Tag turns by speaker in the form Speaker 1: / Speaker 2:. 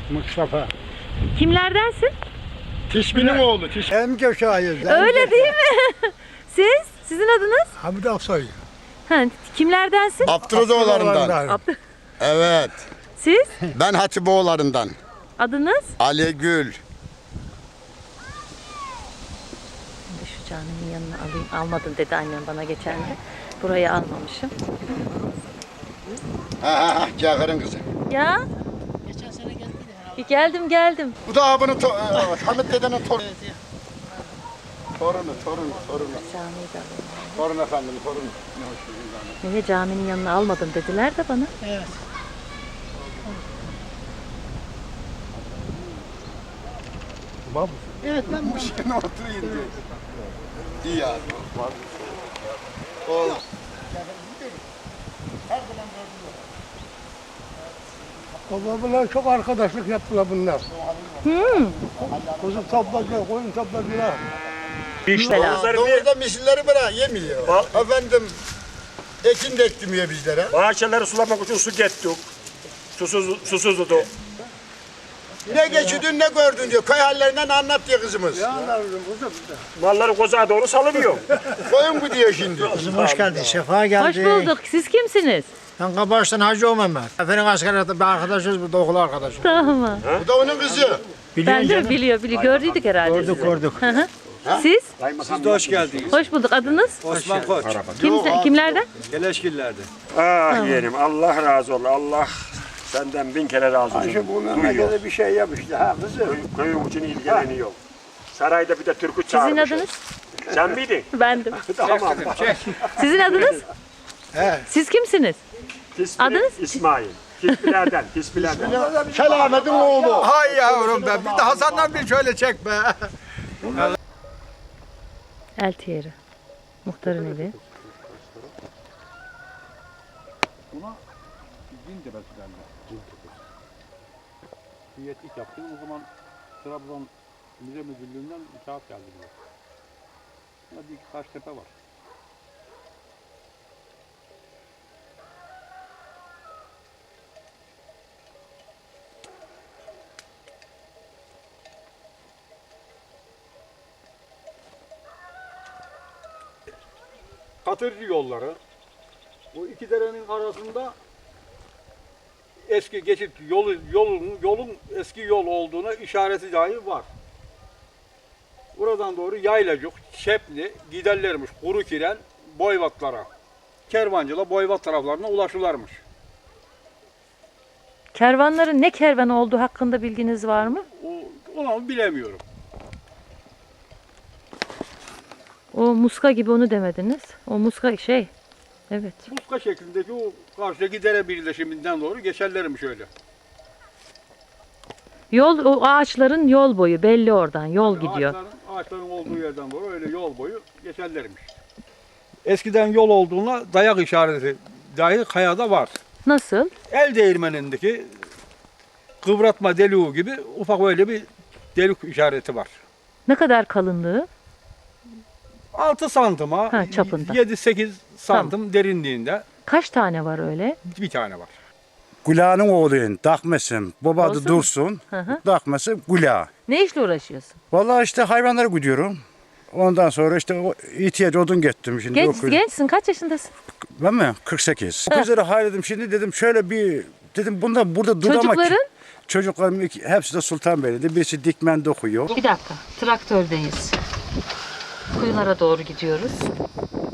Speaker 1: Mustafa.
Speaker 2: Kimlerdensin?
Speaker 1: Tişbi'nin oğlu. Hem köşeyiz.
Speaker 2: Öyle değil mi? Siz? Sizin adınız?
Speaker 1: Hamid Aksoy.
Speaker 2: Ha, kimlerdensin?
Speaker 3: Abdurrahman'dan. Evet.
Speaker 2: Siz?
Speaker 3: Ben Hatipoğullarından.
Speaker 2: Adınız?
Speaker 3: Ali Gül.
Speaker 2: Şimdi şu caminin yanına alayım. Almadın dedi annem bana geçen de. Burayı almamışım.
Speaker 3: Ha, Cağır'ın kızı.
Speaker 2: Ya? Geldim.
Speaker 3: Bu da abinin Hamit dedenin torunu. Torunu.
Speaker 2: Camiyi de alayım.
Speaker 3: Torun efendim, torun.
Speaker 2: Niye caminin yanına almadın dediler de bana.
Speaker 4: Evet.
Speaker 1: Bab.
Speaker 4: Evet ben bu
Speaker 3: Şimdi oturayım diyor. İyi ya. Oğlum.
Speaker 1: Babamla çok arkadaşlık yaptılar bunlar. Kuzu topladılar, koyun topladılar.
Speaker 3: Doğruda misilleri bırak yemiyor. Efendim ekin de ektirmiyor bizlere.
Speaker 5: Bahçeleri sulamak için su gettik. Susuzdu.
Speaker 3: Ne geçidin ne gördün diyor. Köy hallerinden anlat diyor kızımız.
Speaker 5: Malları kozağa doğru salınıyor.
Speaker 3: Koyun bu diyor şimdi.
Speaker 6: Kızım hoş geldin, sefa geldin.
Speaker 2: Hoş bulduk. Siz kimsiniz?
Speaker 6: Ben Kabaş'tan Hacı Mehmet. Efendim askeriyede bir arkadaşız, burada okul arkadaşı.
Speaker 2: Tamam.
Speaker 3: Bu da onun kızı.
Speaker 2: Ben de biliyor. Gördük herhalde sizi.
Speaker 6: Gördük.
Speaker 2: Hı hı. Siz?
Speaker 7: Siz de hoş geldiniz.
Speaker 2: Hoş bulduk. Adınız?
Speaker 7: Osman Koç.
Speaker 2: Kimlerden?
Speaker 7: Geleşgiller'de.
Speaker 5: Ah yeğenim Allah razı olsun. Allah senden 1000 kere razı olsun. Duyuyor.
Speaker 1: bir şey yapmıştı ha kızım.
Speaker 5: Köyün için ilgileniyor. Sarayda bir de türkü
Speaker 2: Sizin
Speaker 5: çağırmış.
Speaker 2: adınız?
Speaker 5: Sen miydin?
Speaker 2: Bendim.
Speaker 5: Tamam.
Speaker 2: Sizin adınız? Siz kimsiniz? Adınız?
Speaker 5: İsmail. Kisbilerden.
Speaker 3: Selamet'in oğlu.
Speaker 1: Hay yavrum be, bir de Hasan'dan bir şöyle çek be.
Speaker 2: Eltiyeri. Muhtarın evi.
Speaker 8: Hüyetlik yaptım. O zaman Trabzon Müze Müdürlüğü'nden kağıt geldi diyor. Burada bir iki taş tepe var. Katırcı yolları. Bu iki derenin arasında eski geçit yolun eski yol olduğuna işareti dahi var. Buradan doğru Yaylacık, Şepli giderlermiş Kurukiren, Boyvatlara. Kervancıla Boyvat taraflarına ulaşırlarmış.
Speaker 2: Kervanların ne kervan olduğu hakkında bilginiz var mı?
Speaker 8: Onu bilemiyorum.
Speaker 2: O muska gibi onu demediniz. O muska şey. Evet.
Speaker 8: Muska şeklindeki o karşıdaki dere birleşiminden doğru geçerlermiş öyle.
Speaker 2: Yol, o ağaçların yol boyu belli oradan. Yol gidiyor.
Speaker 8: Ağaçların olduğu yerden doğru öyle yol boyu geçerlermiş. Eskiden yol olduğuna dayak işareti dahi kayada var.
Speaker 2: Nasıl?
Speaker 8: El değirmenindeki kıvratma deliği gibi ufak öyle bir delik işareti var.
Speaker 2: Ne kadar kalınlığı?
Speaker 8: 6 santıma,
Speaker 2: Ha, çapında.
Speaker 8: 7-8 santim derinliğinde
Speaker 2: Kaç tane var öyle?
Speaker 8: bir tane var.
Speaker 9: Güla'nın oğluyum, Takmesim. Baba adı
Speaker 2: Olsun.
Speaker 9: Dursun,
Speaker 2: Hı hı.
Speaker 9: Takmesim Güla.
Speaker 2: Ne işle uğraşıyorsun?
Speaker 9: Vallahi işte hayvanları güdüyorum. Ondan sonra işte o ihtiyaç odun gettim şimdi.
Speaker 2: Gençsin. Kaç yaşındasın?
Speaker 9: Ben mi? 48. Kızları hayredim şimdi dedim şöyle bir, dedim bunda burada dur ama.
Speaker 2: Çocukların?
Speaker 9: Çocuklarım hepsi de Sultanbeyli'de. Birisi Dikmen'de okuyor.
Speaker 2: Bir dakika. Traktördeyiz. Kuyulara doğru gidiyoruz.